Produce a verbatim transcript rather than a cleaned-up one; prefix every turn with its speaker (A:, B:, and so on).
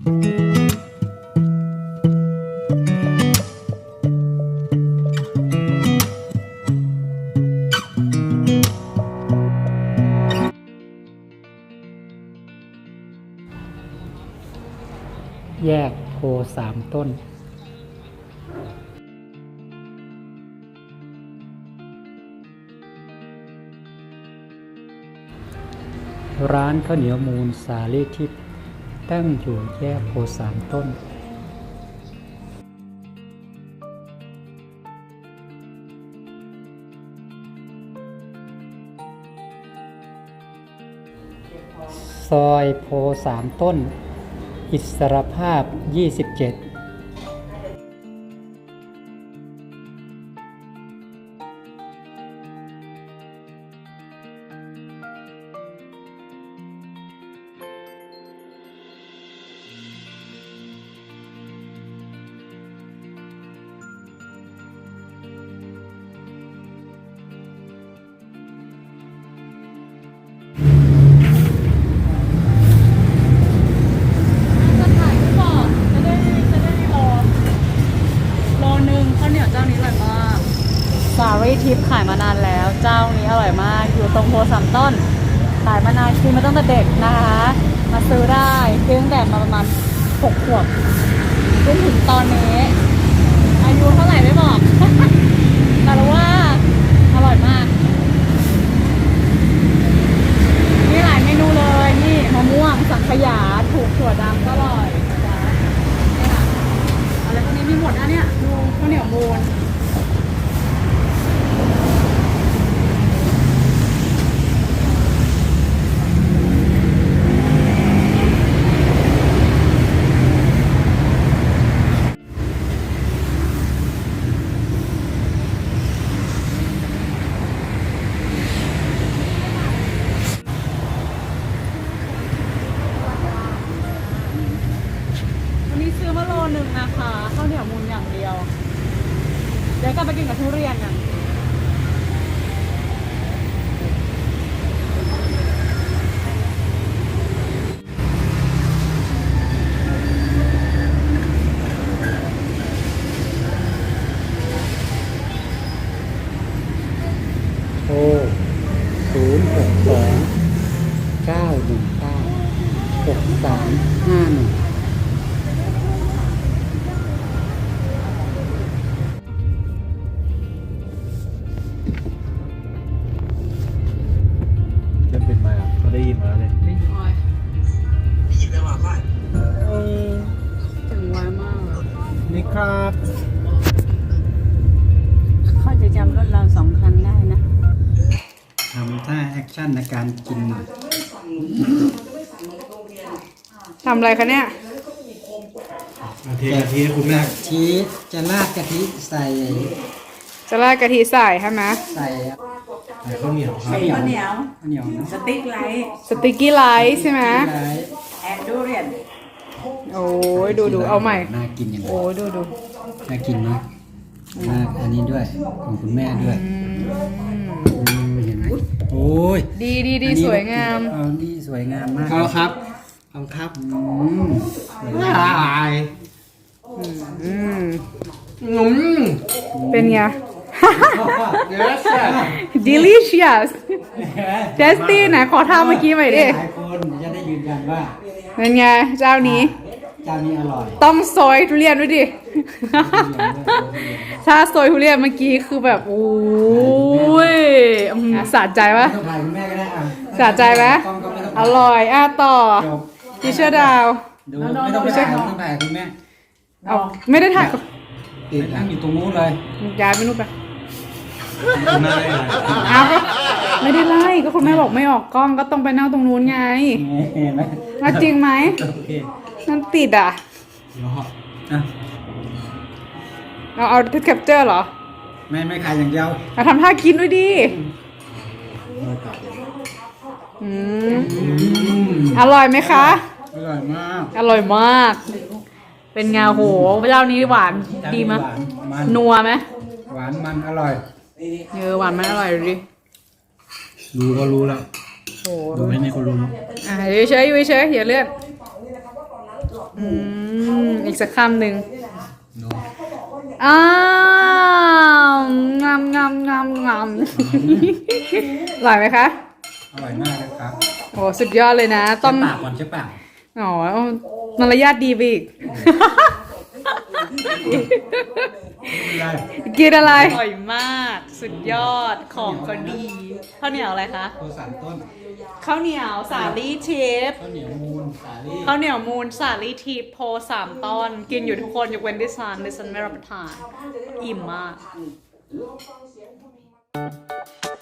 A: แยกโพสามต้นร้านข้าวเหนียวมูลสาลีทิพย์ตั้งอยู่แยกโพสามต้นซอยโพสามต้นอิสรภาพยี่สิบเจ็ด
B: สารีทิพย์ขายมานานแล้วเจ้านี้อร่อยมากอยู่ตรงโพสามต้นขายมานานคือมาตั้งแต่เด็กนะคะมาซื้อได้ซื้อตั้งแต่มาประมาณหกขวบจนถึงตอนนี้อายุเท่าไหร่ไม่บอก แต่รู้ว่าอร่อยมากมีหลายเมนูเลยนี่มะม่วงสังขยาถูกถั่วดำก็อร่อยนะนี่ค่ะอะไรพวกนี้มีหมดนะเนี่ยดูข้าวเหนียวมูนซื้อมาโลนึงนะคะข้าวเหนียวมูนอย่างเดียวเดี๋ยวกลับไปกินกับทุเรียนกัน
A: โทรศูนย์หกสองเก้าหนึ่งเก้าหกสามห้าหนึ่ง
C: จะเป็นมาเขาได้ยินมาเลยได้ยินไหมว่าเออ
B: ถึงไวมาก
C: นี่ครับ
B: เขาจะจำรถเราสองคันได้นะ
A: ทำท่าแอคชั่นในการกินหน่อย
B: ทำอะไรคะเนี่ย
C: กะทิกะทิคุณแม่
A: ชีสจะราดกะทิใส่
B: จะราดกะทิใส่ใช่ไหม
A: ใส่
C: ใส่ข้าวเหนียวครับ
D: ข้าวเหนียว
A: ข้าวเหนียวเนาะ
D: สติ๊กไลท์
B: สติกกี้ไลท์ใช่ไหม
A: ไว้
D: แอนดูเรียน
B: โอ้ยดูดูเอาใหม่
A: น่ากินอย่างไร
B: โอ้ยดูดู
A: น่ากินเนาะน่าอันนี้ด้วยของคุณแม่ด้วยอืมเห็นไหมโอ้ย
B: ดีดีดี
A: อันนี้
B: สวยงาม
A: เอานี่สวยงามมาก
C: เอาครับเอาครับ
A: อืมสวยงาม
C: ลาย
B: อืม
C: งุ้ม
B: เป็นไง
C: yes
B: delicious tasty ไหนขอท่าเมื่อกี้ใหม่ดิ
A: หลายคนจะได้ยืนยันว่า
B: เป็นไงเจ้านี้
A: เจ้านี้อร่อย
B: ต้องซอยทุเรียนด้วยดิ ถ้าซอยทุเรียนเมื่อกี้คือแบบโอ้ยอืมสะใจปะ
A: ต้องถ่ายคุณแม่ก็ได้อ่ะ
B: สะใจไหม
A: กล้องก็ไม่ต้อง
B: อร่อยอ่ะต่อ
A: จบ
B: ดิเชอร์ดาว
A: ดูไม่ต้องไปถ่ายต้องถ่ายคุณแม่
B: เอาไม่ได้ถ่าย
A: ติดนั่งอยู่ตรงนู้นเลย
B: ย้ายไปนู่นไป
C: คุณแม่ได้ไง
B: เอาก็ไม่ได้ไล่ก็คุณแม่บอกไม่ออกกล้องก็ต้องไปนั่งตรงนู้นไง
A: เห็นไหม
B: เอาจริงไหม
A: โอเค
B: นั่นติดอ่ะ
C: เดี๋ยวเหาะ
A: อ่ะ
B: เราเอาแคปเจอร์เหรอ
A: ไม่ไม่ขายอย่างเดียว
B: เอาทำท่ากินด้วยดิอืมอร่อยไหมคะ
A: อร่อยมาก
B: อร่อยมาก เป็นไงโหเจ้านี้หวานดีมั้ย
A: หวานมัน
B: นัวไหม
A: หวานมันอร่อย
B: เออหวานมันอร่อยดูดิ
C: ดูก็รู้แล้ว
B: โอ้
C: ดูไม่มีคนรู้
B: อ่ะอยู่เฉยอยู่เฉยอย่าเลื่อนอืมอีกสักคำหนึ่ง
C: โน้
B: อ้าวงามงามงามงามอร่อยไหมคะ
C: อร่อยมากเลยครับ
B: โอ้สุดยอดเลยนะ ต้
C: ต้
B: อ
C: ม
B: ง
C: ปากก่อนใช่ปาก
B: อ๋อมารยาทดีไปอีก
C: ได้
B: กินอะไรอร่อยมาก สุดยอดของก็ดีข้าวเหนียวอะไรคะ
C: โคสามต้น
B: ข้าวเหนียวสาลี่ทิพย์
C: ข้าวเหนียวมูนสาลี่
B: ข้าวเหนียวมูลสาลี่ทิพย์โพสามต้นกินอยู่ทุกคนยกเว้นดิฉันดิฉันไม่รับประทานอิ่มมาก